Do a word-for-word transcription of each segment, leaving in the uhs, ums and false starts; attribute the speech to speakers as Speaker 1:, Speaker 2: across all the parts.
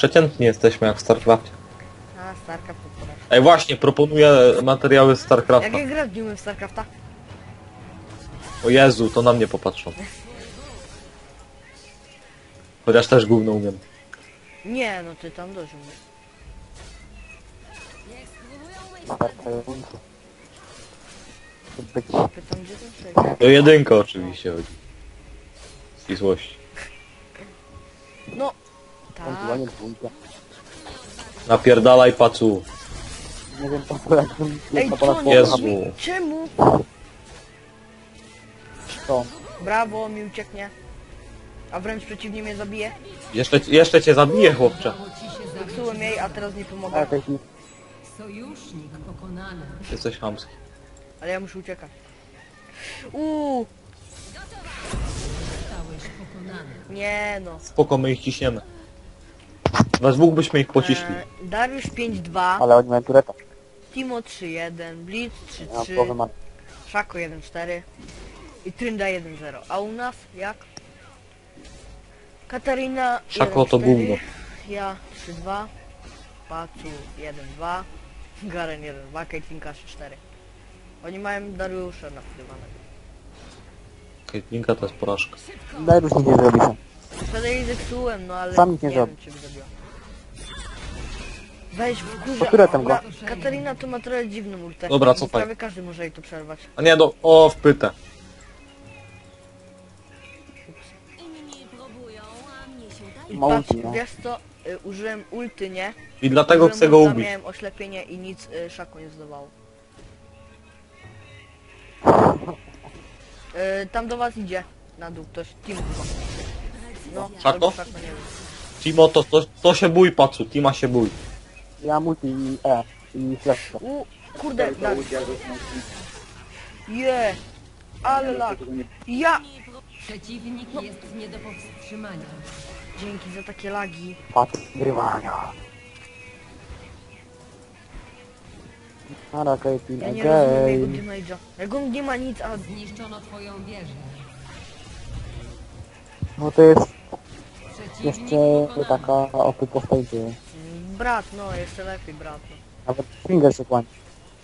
Speaker 1: Przeciętni jesteśmy jak w StarCraftie.
Speaker 2: A, Starcraft to porażka.
Speaker 1: Ej, właśnie, proponuję materiały z StarCrafta.
Speaker 2: Jak ja gra w w Starcrafta?
Speaker 1: O Jezu, to na mnie popatrzą. Chociaż też gówno umiem.
Speaker 2: Nie, no ty tam dość umiesz.
Speaker 3: Wystarczająco. Być
Speaker 2: Pytam gdzie ten człowiek?
Speaker 1: To jedynka oczywiście chodzi. Ścisłości.
Speaker 2: No, tak.
Speaker 3: ewentualnie dwójka.
Speaker 1: Napierdalaj pacu.
Speaker 3: Nie wiem po co jakbym
Speaker 2: Ej,
Speaker 3: na
Speaker 2: co
Speaker 3: ponad
Speaker 2: nie?
Speaker 1: Jezu.
Speaker 2: Czemu?
Speaker 3: to.
Speaker 2: Brawo, mi ucieknie. A wręcz przeciwnie mnie zabije.
Speaker 1: Jeszcze, jeszcze cię zabiję, chłopcze.
Speaker 2: Zepsułem jej, a teraz nie
Speaker 3: A
Speaker 2: pomogę.
Speaker 3: jakaś
Speaker 4: Sojusznik pokonany.
Speaker 1: Jesteś chamski.
Speaker 2: Ale ja muszę uciekać. Uuu,
Speaker 4: Zostałeś pokonany.
Speaker 2: nie no.
Speaker 1: Spoko, my ich ciśniemy. We dwóch byśmy ich pociśli.
Speaker 2: E, Dariusz pięć dwa,
Speaker 3: ale oni mają tureta.
Speaker 2: Timo trzy jeden, Blitz trzy
Speaker 3: Ja mam
Speaker 2: trzy,
Speaker 3: połowę mam.
Speaker 2: Szako jeden cztery i Trynda jeden zero. A u nas jak? Katarina
Speaker 1: Szako to
Speaker 2: jeden cztery,
Speaker 1: gówno.
Speaker 2: ja trzy dwa, Pacu jeden dwa, Garen jeden dwa, Caitlynka trzy cztery. Oni mają Dariusza nakrywanego.
Speaker 1: Caitlynka to jest porażka.
Speaker 3: Daj już nic nie zrobi sam.
Speaker 2: Wtedy jej zepsułem, no ale
Speaker 3: Sam nic nie
Speaker 2: nie
Speaker 3: zrobi.
Speaker 2: wiem, czy by zrobiła. Weź w
Speaker 3: Po
Speaker 2: górze.
Speaker 3: które tam go?
Speaker 2: Ona- Katarina to ma trochę dziwną ultę.
Speaker 1: Dobra, cofaj.
Speaker 2: Prawie każdy może jej to przerwać.
Speaker 1: A nie, do... O, wpytę.
Speaker 5: Inni próbują, a mnie się
Speaker 2: I
Speaker 5: udaje.
Speaker 3: Ma
Speaker 2: patrz,
Speaker 3: ulti, no.
Speaker 2: wiesz co, y, użyłem ulty, nie?
Speaker 1: I dlatego
Speaker 2: Użyłem
Speaker 1: chcę go
Speaker 2: ulta,
Speaker 1: ubić.
Speaker 2: Miałem oślepienie i nic y, Szaku nie zdawało. Y, tam do was idzie. Na dół ktoś. Team chyba. No,
Speaker 1: Szako?
Speaker 2: albo Szako, nie wiem.
Speaker 1: Timo, to, to, to się bój, pacu. Tima się bój.
Speaker 3: Ja multi i E. I flash.
Speaker 2: U, kurde, tak. Je, ale lag. Ja!
Speaker 4: Przeciwnik jest nie do powstrzymania.
Speaker 2: Dzięki za takie lagi.
Speaker 3: Patrz, grywania. Nara, Caitlyn,
Speaker 2: Ja nie rozumiem jego
Speaker 3: again.
Speaker 2: damage'a. Jak on nie ma nic, a...
Speaker 4: Zniszczono twoją wieżę.
Speaker 3: No to jest
Speaker 4: Przeciwnik
Speaker 3: jeszcze
Speaker 4: pokonany.
Speaker 3: taka opy postępy.
Speaker 2: Mm, Brat, no, jeszcze lepiej brat. No.
Speaker 3: Nawet finger się kłania.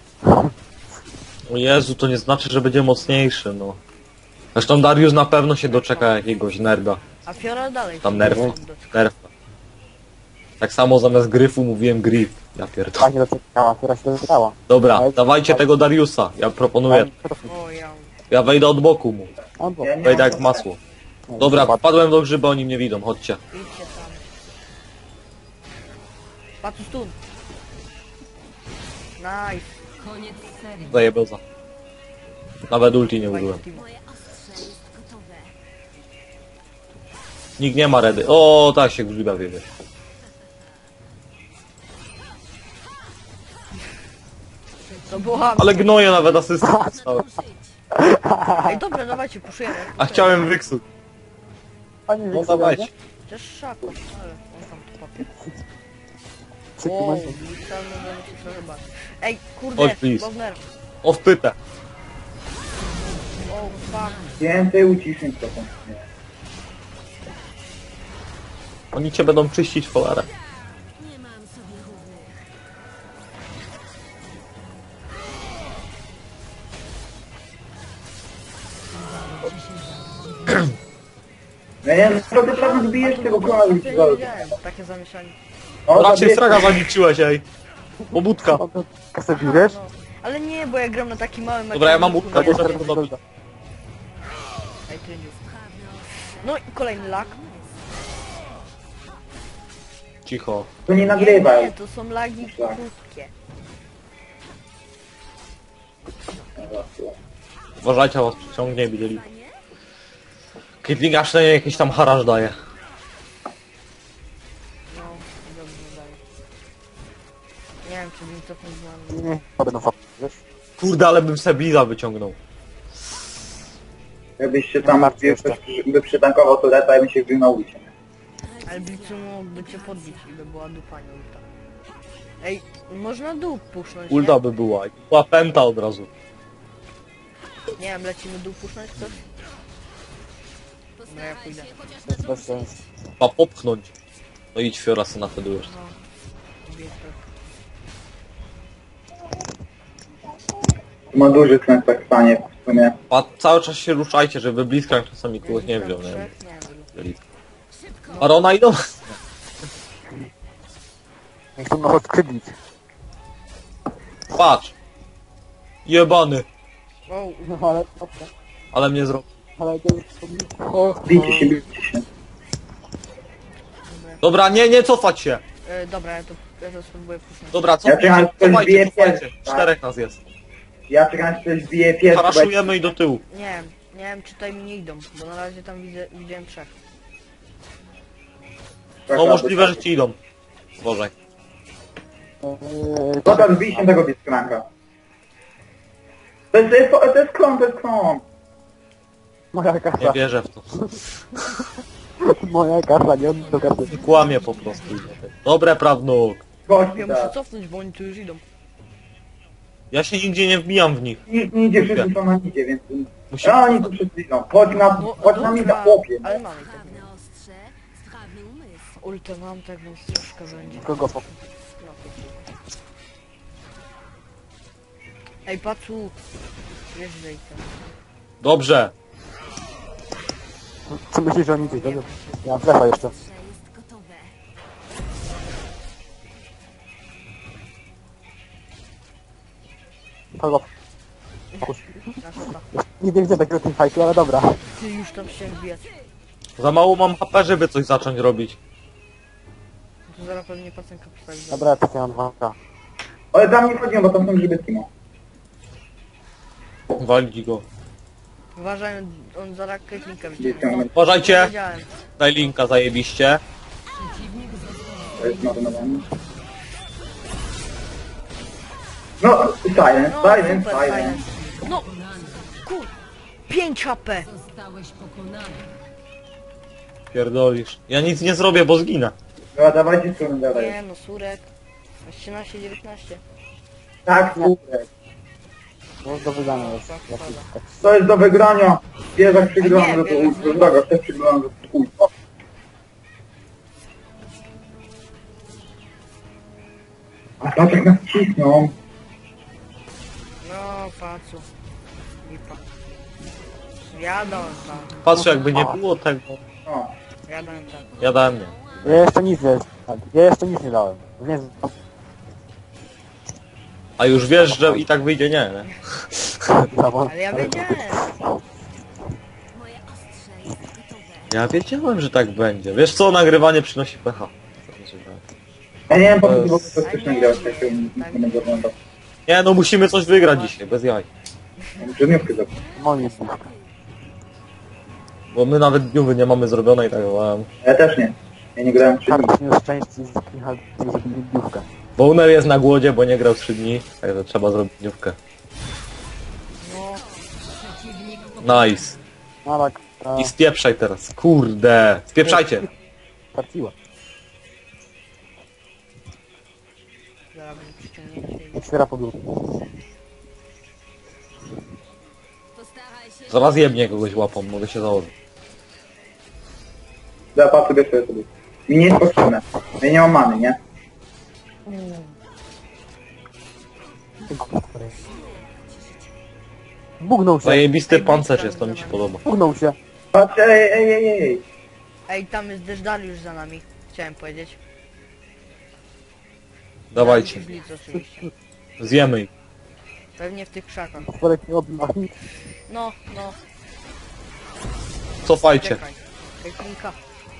Speaker 1: O Jezu, to nie znaczy, że będzie mocniejszy, no. Zresztą Darius na pewno się doczeka jakiegoś nerda.
Speaker 2: A Fiora dalej.
Speaker 1: Tam
Speaker 2: się
Speaker 1: nerfa.
Speaker 2: nie doczeka.
Speaker 1: Nerfa. Tak samo zamiast gryfu mówiłem grif. Ja pierdolę.
Speaker 3: Ta się doczekała, która się doczekała.
Speaker 1: Dobra, dawajcie tego Dariusa. Ja proponuję.
Speaker 2: O, ja...
Speaker 1: Ja wejdę od boku mu.
Speaker 3: Albo.
Speaker 1: Wejdę jak masło. Dobra, wpadłem do grzyba, oni mnie widzą. Chodźcie.
Speaker 2: Idźcie tam. Patrz stun. Nice.
Speaker 4: Koniec serii.
Speaker 1: Daję beza. Nawet ulti nie użyłem.
Speaker 2: Fajny team.
Speaker 5: Moje ostrze jest gotowe.
Speaker 1: Nikt nie ma redy. O, tak się grzyba wiedzieć.
Speaker 2: To była...
Speaker 1: Ale gnoję nawet asystę dostałem.
Speaker 2: Ej, dobra, dawajcie, puszujemy.
Speaker 1: A chciałem wyksuć.
Speaker 3: Pani
Speaker 1: No
Speaker 3: Wiksa,
Speaker 1: dawajcie.
Speaker 3: nie?
Speaker 2: Też Szako, ale on tam to papier.
Speaker 3: Trzy
Speaker 2: Wow,
Speaker 3: kumenty.
Speaker 2: Blitza, możemy się przerywać. Ej,
Speaker 1: Chodź,
Speaker 2: kurde,
Speaker 1: please.
Speaker 2: Bowner.
Speaker 1: O, wpytę.
Speaker 2: O, fuck.
Speaker 6: Więcej uciszeń trochę.
Speaker 1: Oni cię będą czyścić w cholerę.
Speaker 5: Nie mam sobie równych.
Speaker 6: No nie wiem, co ty prawie zbijesz tego koła już
Speaker 2: Ja nie wiedziałem, takie zamieszanie.
Speaker 6: O,
Speaker 1: Raczej
Speaker 6: zabij-
Speaker 1: straga zaliczyłeś, ej. Pobudka.
Speaker 3: O, to kasę bierzesz?
Speaker 2: No. Ale nie, bo ja gram na takim małym
Speaker 1: Dobra, ja mam
Speaker 2: ekraniku,
Speaker 1: łupka,
Speaker 2: nie?
Speaker 1: może to dobrze.
Speaker 2: Ej, tryndziu. No i kolejny lag.
Speaker 1: Cicho.
Speaker 6: To nie
Speaker 2: Nie,
Speaker 6: nagrywaj.
Speaker 2: nie, to są lagi krótkie.
Speaker 1: Uważajcie, was przyciągnie i widzieli. Caitlyn aż nie jakiś tam haraż daje.
Speaker 2: No, dobrze daje. Nie wiem, czy bym cofnął z nami.
Speaker 3: Nie, to będą fakty, wiesz?
Speaker 1: Kurde, ale bym se Bliza wyciągnął.
Speaker 6: Jakbyś się tam wiesz, ktoś by przytankował tureta i bym się wbił na ulicę.
Speaker 2: Ale Blicu mógłby cię podbić i by była dupa, nie ulta. Ej, można dół pusznąć,
Speaker 1: Ulta by była. I była pęta od razu.
Speaker 2: nie? Nie wiem, lecimy dół pusznąć ktoś? Dobra, ja pójdę.
Speaker 3: To jest bez sensu.
Speaker 1: Chyba popchnąć. No idź Fiora, na wtedy już.
Speaker 2: No. Lubię to.
Speaker 6: Ma duży sens tak stanie w sumie.
Speaker 1: A cały czas się ruszajcie, żeby Blitzcrank czasami kogoś nie wziął, nie?
Speaker 2: Trzech? Nie wiem.
Speaker 1: Arona idą?
Speaker 3: Chcą nas odskrzydlić.
Speaker 1: Patrz! Jebany!
Speaker 2: Wow,
Speaker 3: No ale...
Speaker 1: Ale mnie zrobił.
Speaker 3: Ale to jest... O,
Speaker 6: Bijcie się, bijcie się.
Speaker 1: Dobra, nie, nie cofać się!
Speaker 2: e, dobra, ja to, ja to spróbuję puszczać.
Speaker 1: Dobra,
Speaker 6: Ja
Speaker 1: cofajcie,
Speaker 6: czekam, aż ktoś
Speaker 1: cofajcie,
Speaker 6: bije
Speaker 1: cofajcie.
Speaker 6: pierwszy, tak?
Speaker 1: Czterech nas jest.
Speaker 6: Ja czekam, aż ktoś bije pierwszy. bo-
Speaker 1: Paraszujemy i do tyłu.
Speaker 2: Nie wiem, nie wiem czy tutaj mi nie idą, bo na razie tam widzę, widziałem trzech.
Speaker 1: No możliwe, że ci idą. Boże.
Speaker 3: Eee,
Speaker 6: Dobra, zbij się tego Blitzcranka. To jest, to jest, to jest klon, to jest klon.
Speaker 3: Moja
Speaker 1: Nie
Speaker 3: kasa.
Speaker 1: wierzę w to.
Speaker 3: Moja kasa, nie on do kasy.
Speaker 1: Kłamie po prostu. Dobre, prawnuk.
Speaker 6: Gość,
Speaker 2: Ja muszę
Speaker 6: tak.
Speaker 2: cofnąć, bo oni tu już idą.
Speaker 1: Ja się nigdzie nie wbijam w nich.
Speaker 6: Nikt nie idzie, wszyscy są na nidzie, więc...
Speaker 1: Musimy...
Speaker 6: A oni tu wszyscy idą. Chodź na,
Speaker 2: No,
Speaker 6: chodź na mnie
Speaker 2: dobra,
Speaker 6: na chłopie.
Speaker 2: ale mamy tego.
Speaker 5: Sprawne ostrze, sprawny umysł.
Speaker 2: Ulta mam, tak więc troszkę będzie.
Speaker 3: Kogo po...
Speaker 2: No, ej, pacu! Wiesz, że i co?
Speaker 1: Dobrze.
Speaker 3: Co myślisz, że oni gdzieś będą? Ja mam flecha jeszcze.
Speaker 5: Ostrze jest gotowe.
Speaker 3: Kogo?
Speaker 2: Na szota.
Speaker 3: Nie widzę takiego teamfightu, ale dobra.
Speaker 2: Ty już tam się wbijać.
Speaker 1: Za mało mam H P, żeby coś zacząć robić.
Speaker 2: No to zaraz pewnie pacenka postawi.
Speaker 3: Dobra, ja tak mam dwa K.
Speaker 6: Ale tam nie wchodzimy, bo tam są grzyby Timo.
Speaker 1: Walić go.
Speaker 2: Uważaj, on zaraz krytnika
Speaker 6: Gdzie
Speaker 2: wyciągnie.
Speaker 6: ciągnę?
Speaker 1: Uważajcie.
Speaker 2: Wiedziałem.
Speaker 1: Daj linka, zajebiście.
Speaker 6: To jest marnowanie. No, silence,
Speaker 2: No,
Speaker 6: silence,
Speaker 2: super,
Speaker 6: silence.
Speaker 2: silence. No, kur... pięć H P!
Speaker 4: Zostałeś pokonany.
Speaker 1: Pierdolisz. Ja nic nie zrobię, bo zginę.
Speaker 6: Dobra, dawajcie strony dalej.
Speaker 2: Nie no, Surek. trzynaście dziewiętnaście.
Speaker 6: Tak, super.
Speaker 3: To jest do wydania już.
Speaker 2: Tak,
Speaker 3: Jakiś
Speaker 2: tak.
Speaker 3: tak.
Speaker 6: To jest do wygrania. Bierzak
Speaker 2: A
Speaker 6: przegrałem,
Speaker 2: nie,
Speaker 6: że to
Speaker 2: bierzak
Speaker 6: ultra droga, też przegrałem, że to chuj. O. A patrz jak nas cisną.
Speaker 2: No, pacu. Lipa. Jadą tam,
Speaker 1: Patrz, jakby nie było tego.
Speaker 6: O.
Speaker 2: jadą tam.
Speaker 1: Ja dałem nie.
Speaker 3: Ja jeszcze nic nie... Ja jeszcze nic nie dałem. Więc...
Speaker 1: A już wiesz, że i tak wyjdzie nie, nie?
Speaker 2: Ale ja wiedziałem.
Speaker 5: Moje ostrze jest gotowe.
Speaker 1: Ja wiedziałem, że tak będzie. Wiesz co, nagrywanie przynosi pecha.
Speaker 6: Ja nie wiem po co
Speaker 1: To
Speaker 6: ty w ogóle
Speaker 1: jest-
Speaker 6: to chcesz nagrywać, jak się nie będę oglądał.
Speaker 1: Nie no, musimy coś wygrać dzisiaj, bez jaj.
Speaker 6: Muszę dniówkę zrobić.
Speaker 3: Moje jest blisko.
Speaker 1: Bo my nawet dniówy nie mamy zrobionej, tak um,
Speaker 6: Ja też nie. Ja nie grałem trzy dni.
Speaker 3: Karol nie szczęście z Michał zrobili biówkę.
Speaker 1: Bowner jest na głodzie, bo nie grał trzy dni, także trzeba zrobić dniówkę.
Speaker 2: No,
Speaker 4: Przeciwnik
Speaker 1: Nice.
Speaker 3: No tak, e,
Speaker 1: I spieprzaj teraz. Kurde. Spieprzajcie.
Speaker 3: traciła.
Speaker 2: zaraz będzie przyciągnięcie. i-
Speaker 3: Otwiera podłogę.
Speaker 5: Postaraj się.
Speaker 1: Zaraz jebnie kogoś łapą, mogę się założyć.
Speaker 6: Dobra, patrz sobie sobie sobie. Mi nie jest potrzebne. Ja nie mam many, nie?
Speaker 3: Bugnął się.
Speaker 1: Zajebisty pancerz jest, to mi się podoba.
Speaker 3: Bugnął się.
Speaker 6: Patrz, ej, ej, ej, ej, ej.
Speaker 2: Ej, tam jest Deszdaliusz za nami. Chciałem powiedzieć.
Speaker 1: Dawajcie.
Speaker 2: Blitz oczywiście.
Speaker 1: Zjemy ich.
Speaker 2: Pewnie w tych krzakach.
Speaker 3: Sporek nie robi ani.
Speaker 2: No, no,
Speaker 1: Cofajcie.
Speaker 2: czekaj. Krytnika.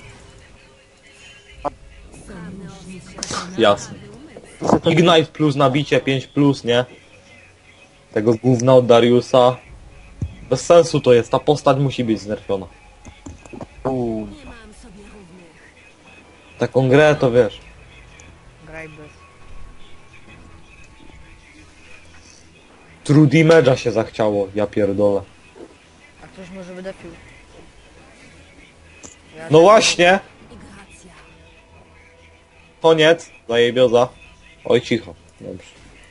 Speaker 1: Jasne. Ignite plus nabicie pięć plus, nie? Tego gówna od Dariusa. Bez sensu to jest, ta postać musi być znerfiona.
Speaker 3: Uuu.
Speaker 5: Nie mam sobie równych.
Speaker 1: Taką grę to wiesz.
Speaker 2: Graj bez.
Speaker 1: True damage'a się zachciało, ja pierdolę.
Speaker 2: A ktoś może wydepił. Ja
Speaker 1: No właśnie!
Speaker 5: I gracja.
Speaker 1: Koniec, zajebioza. Oj cicho. Dobrze.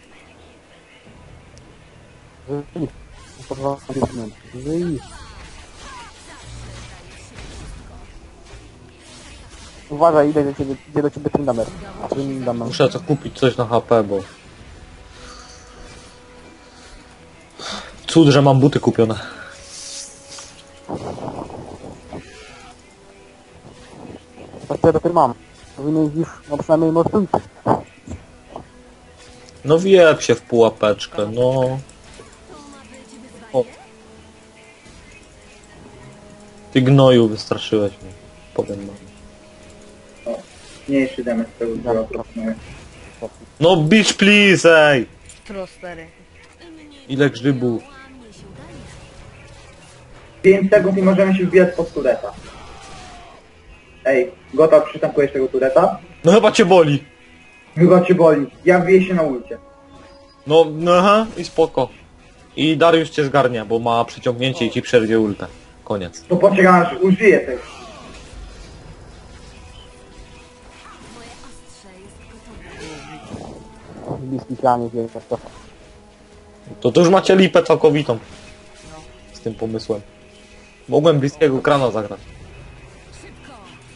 Speaker 3: Żyj. Podwa- Żyj. Uważaj, idę do ciebie, idzie do ciebie Trindamer. Trindamer.
Speaker 1: Muszę co kupić coś na H P, bo... Cud, że mam buty kupione.
Speaker 3: To co ja dopiero mam. Powinieneś już, no przynajmniej mocniejszy.
Speaker 1: No wiep się w pułapeczkę, no... O. Ty gnoju, wystraszyłeś mnie. Powiem wam.
Speaker 6: Mniejszy damage tego działa proponuję.
Speaker 1: No bitch please, ej!
Speaker 2: Trostery.
Speaker 1: Ile grzybów.
Speaker 6: pięć sekund i możemy się wbijać pod tureta. Ej, gotow, przytankujesz tego tureta?
Speaker 1: No chyba cię boli.
Speaker 6: Chyba cię boli. Ja wbiję się na ulcie.
Speaker 1: No, no aha, i spoko. I Dariusz cię zgarnia, bo ma przyciągnięcie i ci przerwie ultę. Koniec.
Speaker 6: To poczekam aż użyję tego.
Speaker 5: Moje ostrze jest gotowe.
Speaker 3: Bliski planie, wielka to.
Speaker 1: To to już macie lipę całkowitą. Z tym pomysłem. Mogłem bliskiego krana zagrać.
Speaker 5: Szybko!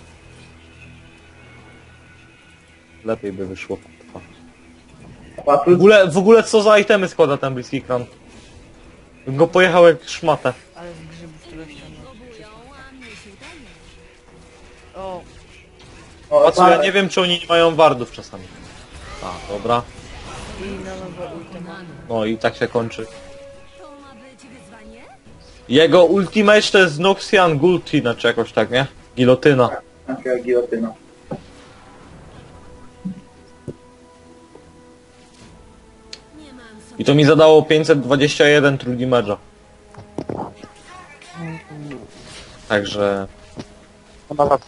Speaker 1: Lepiej by wyszło.
Speaker 6: A
Speaker 1: W
Speaker 6: tu
Speaker 1: ogóle, w ogóle co za itemy składa ten bliski kran? Bym go pojechał jak szmatę.
Speaker 2: Ale z grzybów tyle ściągnął.
Speaker 5: Próbują, a mnie się udaje.
Speaker 2: O,
Speaker 6: o,
Speaker 1: Patrz, ja
Speaker 6: tak.
Speaker 1: nie wiem czy oni nie mają wardów czasami. A, dobra.
Speaker 2: i na nowe ultem.
Speaker 1: No i tak się kończy.
Speaker 5: To ma być wyzwanie?
Speaker 1: Jego ultimate to jest Noxian Guillotine, czy jakoś tak, nie? Gilotyna.
Speaker 6: Taka gilotyna.
Speaker 5: Nie mam sobie.
Speaker 1: I to mi zadało pięćset dwadzieścia jeden true damage'a. Także...
Speaker 3: Chyba za...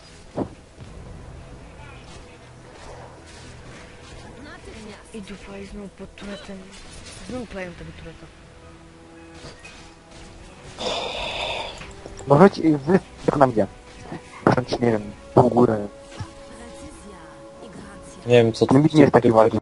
Speaker 5: Natychmiast.
Speaker 2: I dupa i znowu pod turetem. Znowu plają tego tureta.
Speaker 3: No chodź, wy... jak nam idzie. Wręcz, nie wiem, pół górę.
Speaker 5: Precyzja i gracja.
Speaker 1: Nie wiem co
Speaker 3: Ten bit nie jest taki ładny.